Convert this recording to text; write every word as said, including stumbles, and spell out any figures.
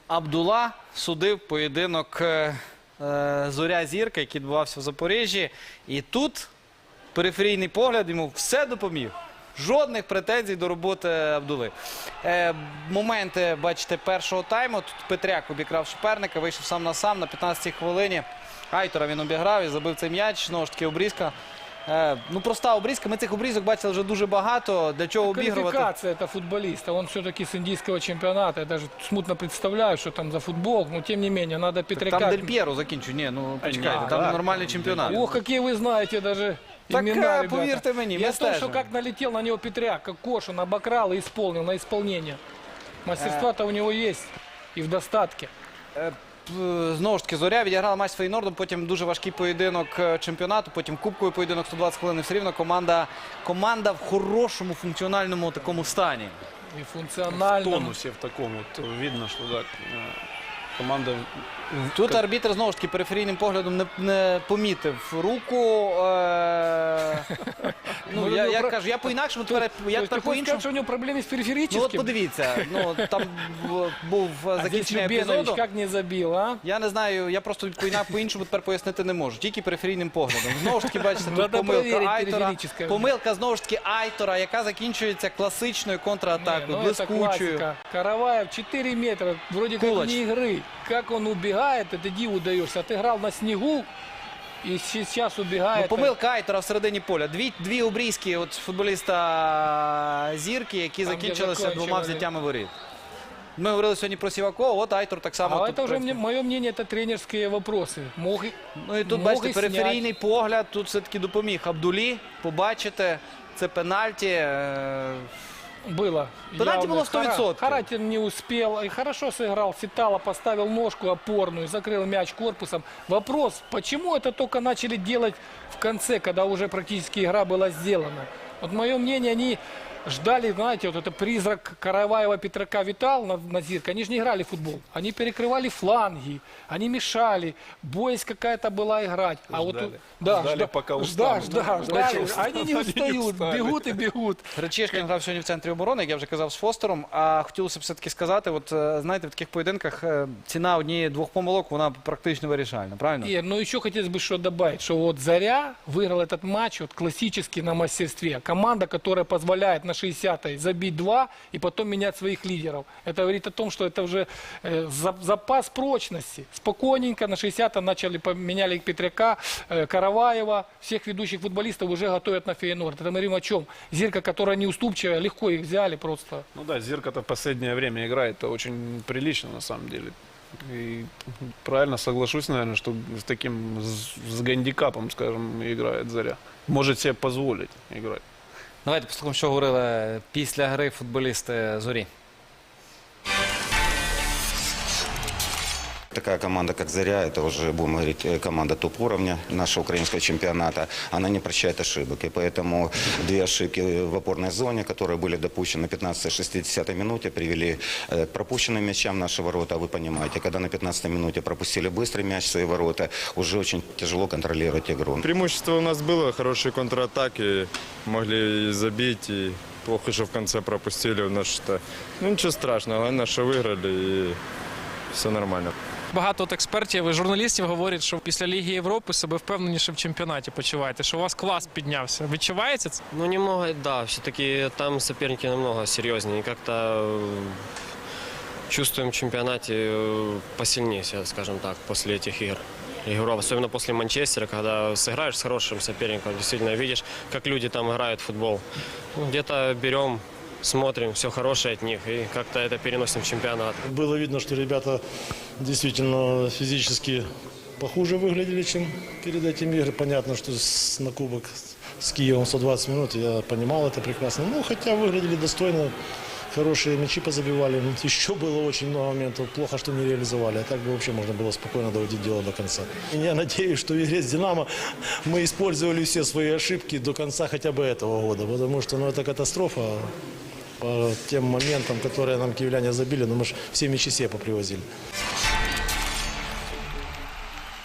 Абдула судив поєдинок е, Зоря-Зірка, який відбувався в Запоріжжі. І тут периферійний погляд йому все допоміг. Жодних претензій до роботи Абдули. Е, моменти, бачите, першого тайму. Тут Петряк обікрав суперника, вийшов сам на сам на п'ятнадцятій хвилині. Айтора він обіграв і забив цей м'яч. Знову ж таки, обрізка. Е, ну, проста обрізка. Ми цих обрізок бачили вже дуже багато. Для чого обігрувати? Квалификация это футболиста. Он все-таки с индийского чемпионата. Я даже смутно представляю, что там за футбол. Но тем не менее, надо Петряка... Там Дель П'єро закінчує. Ні, ну почекайте, там да. нормальний чемпіонат. Ох, какие вы знаете даже Так, имена, ребята. поверьте мне, Я мы то, что стежим. как налетел на него Петряк, как кош, он обокрал и исполнил на исполнение. Мастерства-то у него есть и в достатке. Е, п- Знову ж таки, Зоря відіграла матч з Фейнордом, потім дуже важкий поєдинок е, чемпіонату, потім кубковий поєдинок сто двадцять хвилин. Все рівно команда, команда в хорошому функціональному такому стані. И В функционально. тонусе в таком вот видно, что да, э, команда... Тут арбітр знову ж таки периферійним поглядом не, не помітив руку. Е, ну, Ну, я, ну, я про- кажу, я по-інакшому, То тепер, есть, то я есть тепер ты хочешь по-іншому. сказать, что у него проблемы с Ну периферическим? от подивіться, ну там б- був А здесь закінчення Любенович епізоду. как не забил, а? Я не знаю, я просто по-іна- по-іншому тепер пояснити не можу. Тільки периферійним поглядом. Знову ж таки, бачите, тут Надо помилка перевірити Айтора. периферічне. Помилка, знову ж таки, Айтора, яка закінчується класичною Не, контратакою, ну это блискучою. классика. Караваев четыре метра, вроде как Кулач. не игры. Как он убегает, это диву даешься. Отыграл на снегу и сейчас Ну, убегает. помилка Айтора всередині поля. Дві, дві обрізки от футболіста Зірки, які Там, де закінчилися закончили. двома взяттями воріт. Ми говорили сьогодні про Сівакова, от Айтор так само. А тут это уже, працює. мое мнение, это тренерские вопросы. Мог, и- Ну і тут, мог бачите, и периферійний снять. погляд, тут все-таки допоміг Абдулі. Побачите, це пенальті. е, Было. Пенальти явно. было сто Хара- процентов. Харатин не успел. И хорошо сыграл. Ситало поставил ножку опорную, закрыл мяч корпусом. Вопрос, почему это только начали делать в конце, когда уже практически игра была сделана? Вот мое мнение, они ждали, знаете, вот это призрак Караваева, Петрака витал на, на Зирке. Они же не играли в футбол. Они перекрывали фланги, они мешали. Боясь какая-то была играть. А вот тут, да, Ждали, жда- пока жда- устанут. жда- ждали. Они не Они не устают, устали. бегут и бегут. Речишкін грав сьогодні в центрі оборони, як я вже казав, з Фостером. А хотілося б все-таки сказати, от е, знаєте, в таких поєдинках е, ціна однієї-двох помилок, вона практично вирішальна, правильно? Ир, ну еще хотелось бы что добавить, что вот Заря выиграл этот матч вот классически на мастерстве. Команда, которая позволяет на шестидесятой забить два и потом менять своих лидеров. Это говорит о том, что это уже э, за- запас прочности. Спокойненько на шестидесятой начали, поменяли Петряка, э, Караваева, всех ведущих футболистов уже готовят на Фейнорд. Это мы говорим о чем? Зирка, которая неуступчивая, легко их взяли просто. Ну да, Зирка-то в последнее время играет очень прилично на самом деле. И правильно соглашусь, наверное, что с таким, с, с гандикапом, скажем, играет Заря. Может себе позволить играть. Давайте послухаємо, що говорили після гри футболісти Зорі. Такая команда, как «Заря», это уже, будем говорить, э, команда топ-уровня нашего украинского чемпионата. Она не прощает ошибок. И поэтому две ошибки в опорной зоне, которые были допущены на пятнадцатой-шестидесятой минуте, привели э, к пропущенным мячам в наши ворота. А вы понимаете, когда на пятнадцатой минуте пропустили быстрый мяч в свои ворота, уже очень тяжело контролировать игру. Преимущество у нас было, хорошие контратаки, могли и забить, и плохо, что в конце пропустили у нас что. Ну ничего страшного, главное, что выиграли, и все нормально. Багато от експертів і журналістів говорять, що після Ліги Європи себе впевненіше в чемпіонаті почуваєте, що у вас клас піднявся. Відчувається це? Ну, немного, да, все-таки там соперники намного серьезнее. И как-то э, чувствуем в чемпионате э, посильнее, себя, скажем так, после этих игр. Игру, особенно после Манчестера, когда сыграешь с хорошим соперником, действительно видишь, как люди там играют в футбол. Ну, где-то берем, смотрим, все хорошее от них, и как-то это переносим в чемпионат. Было видно, что ребята действительно физически похуже выглядели, чем перед этим игрой. Понятно, что с- на кубок с Киевом сто двадцать минут, я понимал это прекрасно. Ну, хотя выглядели достойно, хорошие мячи позабивали. Ну, еще было очень много моментов. Плохо, что не реализовали. А так бы вообще можно было спокойно доводить дело до конца. И я надеюсь, что в игре с «Динамо» мы использовали все свои ошибки до конца хотя бы этого года. Потому что, ну, это катастрофа. По тем моментам, которые нам киевляне забили, но мы же все мячи себе попривозили.